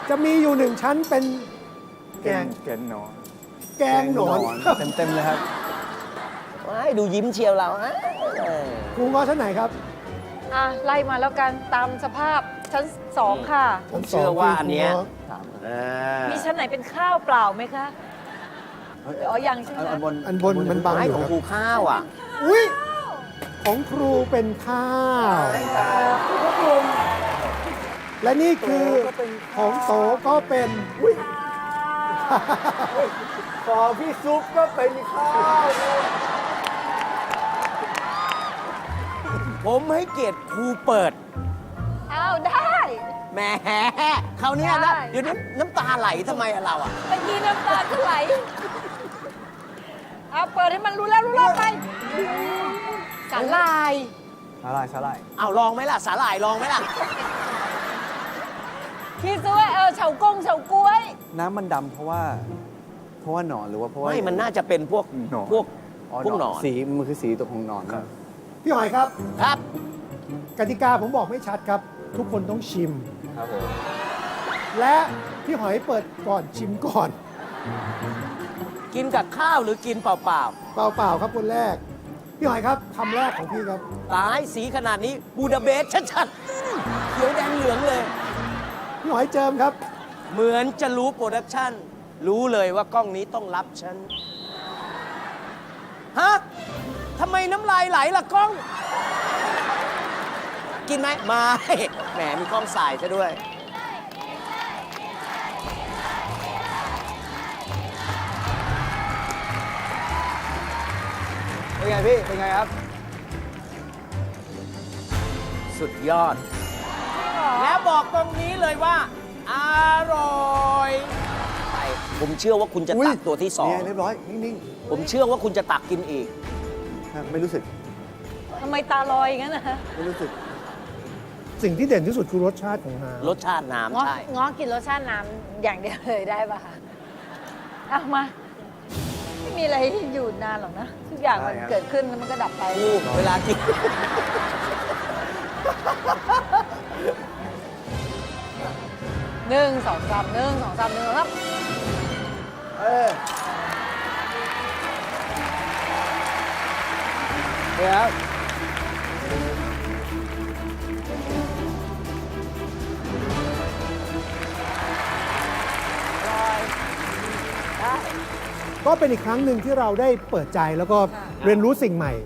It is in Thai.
จะมีอยู่หนึ่งชั้นเป็นแกงแกนหนอนแกงหนอนเต็มเลยครับว้ายดูยิ้มเชียวเรานะครูง้อชั้นไหนครับอ่ะ ไล่มาแล้วกันตามสภาพชั้น 2 ค่ะผมเชื่อว่าอันเนี้ยอ่ามีชั้นไหนเป็นข้าวเปล่าไหมคะอ๋อยังใช่ไหมอันบนอันบนมันบังไม้อยู่ของครับครูข้าวอ่ะอุ้ยของครูเป็นข้าว และนี่คือของโตก็เป็นอุ้ยของพี่ซุปก็เป็นข้าวผมให้เกียรติครูเปิดอ้าวได้แหมคราวเนี้ยนะได้เดี๋ยวนี้น้ำตาไหลทำไมอะเราอ่ะเมื่อกี้น้ำตาจะไหลเอาเปิดให้มันรู้แล้วไปสาลายสาหร่ายสาหร่ายเอาลองไหมล่ะ สาหร่ายลองไหมล่ะคิดซะว่าเฉากงเฉาก้วยน้ำมันดำเพราะว่าหนอนหรือว่าเพราะว่าไม่มันน่าจะเป็นพวกหนอนพวกหนอนสีมันคือสีตัวของหนอนครับพี่หอยครับครับกติกาผมบอกไม่ชัดครับ ทุกคนต้องชิมครับผมและพี่หอยเปิดก่อนชิมก่อนกินกับข้าวหรือกินเปล่าเปล่าๆครับคนแรก พี่หอยครับคำแรกของพี่ครับๆตายสีขนาดนี้บูดาเบสชัดๆเขียวแดงเหลืองเลยพี่หอยเจิมครับเหมือนจะรู้โปรดักชั่น รู้เลยว่ากล้องนี้ต้องรับฉัน ฮะ ทำไมน้ำลายไหลล่ะกล้อง กินไหมไม่ แหมมีกล้องสายซะด้วยเป็นไงพี่ เป็นไงครับสุดยอด แล้วบอกตรงนี้เลยว่า อร่อยไปผมเชื่อว่าคุณจะอุ๊ยตักตัวที่สองเนี่ยเรียบร้อย นิ่งผมเชื่อว่าคุณจะตักกินอีกๆครับไม่รู้สึกทำไมตาลอยอย่างนั้นนะไม่รู้สึกสิ่งที่เด่นที่สุดคือรสชาติของน้ำรสชาติน้ำง้อใช่ง้อกินรสชาติน้ำอย่างเดียวเลยได้ป่ะคะเอามา ไม่มีอะไรอยู่นานหรอกนะ ทุกอย่างมันได้ครับเกิดขึ้นแล้วมันก็ดับไปกูเวลากิน 1 2 3 1 2 3 1ครับเออเดี๋ยวก็เป็นอีกครั้งหนึ่งที่เราได้เปิดใจแล้วก็เรียนรู้สิ่งใหม่